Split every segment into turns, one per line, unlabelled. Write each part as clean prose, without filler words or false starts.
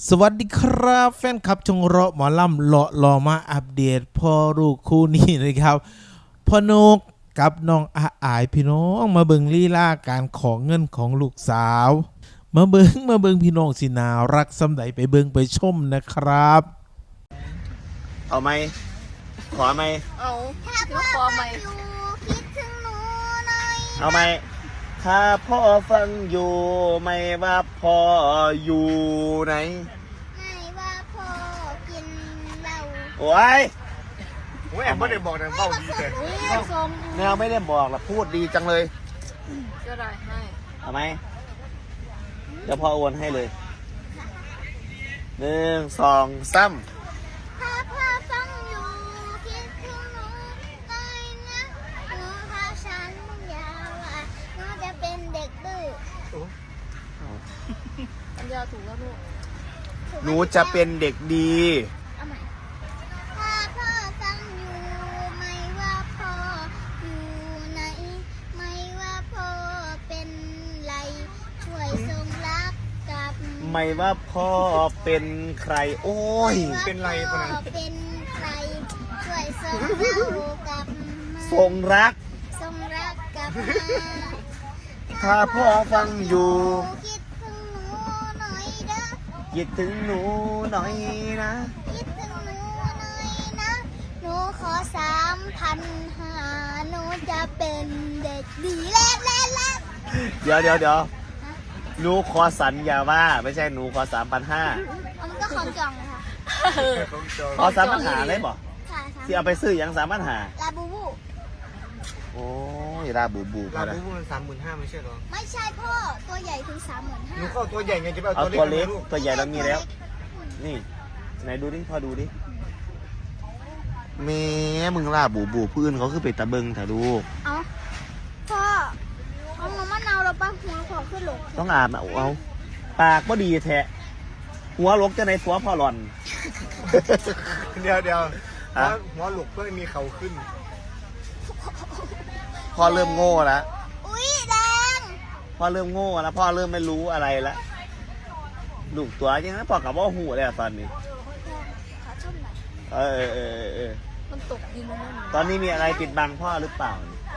สวัสดีครับแฟนคลับชงเราะหมอลำเลาะรอมาอัปเดตพ่อลูกคู่นี้นะครับพ่อนกกับน้องอายพี่น้องมาเบิ่งลีลาการของเงินของลูกสาวมาเบิ่งพี่น้องสินารักสำใดไปเบิ่งไปชมนะครับ
เอาไหมขอไหม
เอาถือขอไหมคิดถึงหนูหน่อย
เอาไหมถ้าพ่อฟังอยู่ไม่ว่าพ่ออยู่ไหน
ไม่ว่าพ่อกินเหล้า
โอ้ย
แอบไม่ได้บอกนะเบ้าดีแต่
แนวไม่ได้บอกละพูดดีจังเลย
ก็ได้ให้
เอาไหมเดี๋ยวพ่อโอนให้เลย1 2 3
ถ้าพ่อฟังอยู่คิดถึงหนูหน่อยนะหนูพาฉันยาวอ่ะหนูจะเป็นเด็กดื้ออันเดียวถูกแล้วลูก
หนูจะเป็นเด็กดี
เอาใหม่ถ้าพ่อฟังอยู่ไม่ว่าพ่ออยู่ไหนไม่ว่าพ่อเป็นไรช่วยส่งรักกับ
ไม่ว่าพ่อเป็นใครโอ้ย
เป็นไรปะนะ
เป็นใครช่วยส่งเรากับ
ส่งรัก
กับ
ถ้าพ่อฟังอยู่
คิดถึงหนูหน่อยเด้อ
คิดถึงหนูหน่อยนะ
คิดถึงหนูหน่อยนะหนูขอ3,500หนูจะเป็นเด็กดีเล่
เดี๋ยวหนูขอสัญญาว่าไม่ใช่หนูขอ3,500
มันก็ของจองนะคะ
ขอ3,500เลยบอกที่เอาไปซื้ออย่าง3,500
ลาบูบู
โอ้ยลาบูบู
ลาบูบูมัน35,000ไม่ใช่หรอ
ไม่ใช่พ่อตัวใหญ่ถึง35,000
หนูเข้าตัวใหญ่ไงจะ
เอาตัวเล็กตัวใหญ่เรามีแล้วนี่ไหนดูดิพ่อดูดิแม่มึงลาบูบูพื้นเขาคือเป็ดตะเบิงถ่ายลูก
เอาพ่อเอามะนาวเราปั้งหัวขอขึ้นหลง
ต้องอาบนะเอาปากก็ดีแท้หัวลกจะในหัวพ่อหล่อน
เดี๋ยวหัวหลุกเพื่อมีเขาขึ้น
พ่อเริ่มโง่แล้ว
อุ้ยแดง
พ่อเริ่มโง่แล้วพ่อเริ่มไม่รู้อะไรแล้วลูกตัวจริงนะพ่อกับว่าหูเลยตอนนี้
มันตกดินแล้ว
ตอนนี้มีอะไรปิดบังพ่อหรือเปล่า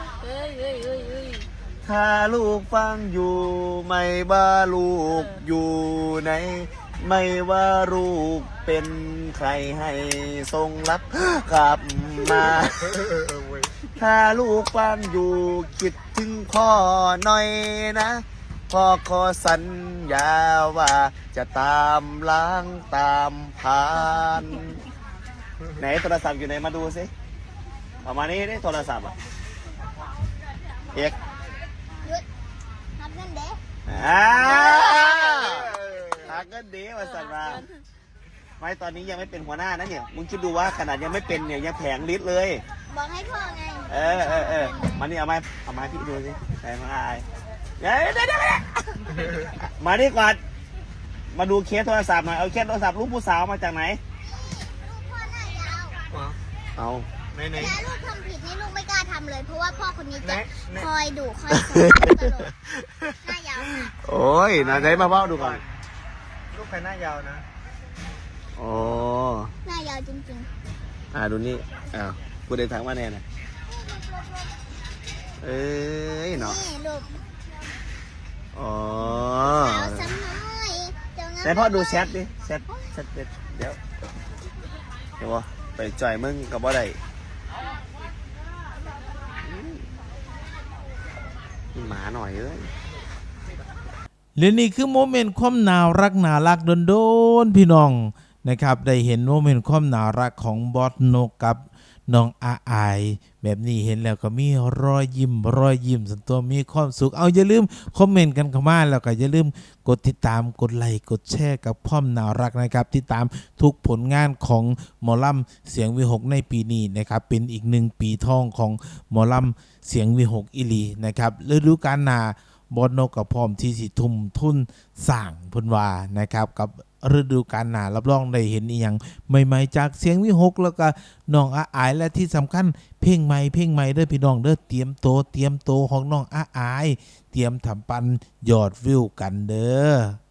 ถ้าลูกฟังอยู่ไม่ว่าลูกอยู่ไหนไม่ว่าลูกเป็นใครให้ทรงรับกลับมาถ้าลูกฟังอยู่คิดถึงพ่อหน่อยนะพ่อขอสัญญาว่าจะตามล้างตามผ่านไหนโทรศัพท์อยู่ไหนมาดูสิประมาณนี้ได้โทรศัพท์อ่ะเอก
นับเงินเด้
นับเงินเด้มาสั่งมาไม่ตอนนี้ยังไม่เป็นหัวหน้านะเนี่ยมึงคิดดูว่าขนาดยังไม่เป็นเนี่ยยังแผงลิตรเลย
บอกให้พ่อไง
มานี่เอาไม้พี่ดูสิไหนมาอายเดี๋ยวมาดิก่อนมาดูเคสโทรศัพท์หน่อยเอาเคสโทรศัพท์ลูกผู้สาวมาจากไหน
ลูกพ่อหน้ายาว
เอา
ไหนลูกทำผิดนี่ลูกไม่กล้าทำเลยเพราะว่าพ่อคนนี้จะคอยดุคอยสอนตลกหน้ายาว
โอ้ยไหนมาพ่อดูก่อน
ลูกใครหน้ายาวนะ
โอ้
หน้ายาวจริง
ๆดูนี่กูเดินทางมาแน่นะเนาะ
นี่ลูก
อ๋อ
สาวซ้ำน้อย
ไหนพ่อดูแชทดิแชทเดี๋ยวไปจ่อยมึงกับว่าใดหมาหน่อย
และนี่คือโมเมนต์ความน่ารักโดนพี่น้องนะครับได้เห็นโมเมนต์ความน่ารักของบอสนกกับน้องอายแบบนี้เห็นแล้วก็มีรอยยิ้มส่วนตัวมีความสุขเอาอย่าลืมคอมเมนต์กันเข้ามาแล้วก็อย่าลืมกดติดตามกดไลค์กดแชร์กับพ่อมน่ารักนะครับติดตามทุกผลงานของหมอลำเสียงวิหกในปีนี้นะครับเป็นอีก1ปีทองของหมอลำเสียงวิหกอีลีนะครับฤดูกาลหน้าบอสนกกับพร้อมที่สิทุ่มทุนสร้างพุ่นว่านะครับกับฤดูกาลหน้ารับรองได้เห็นอีหยังใหม่ๆจากเสียงวิหกแล้วก็น้องอายและที่สำคัญเพลงใหม่เด้อพี่น้องเด้อเตรียมโตของน้องอายเตรียมทำปันยอดวิวกันเด้อ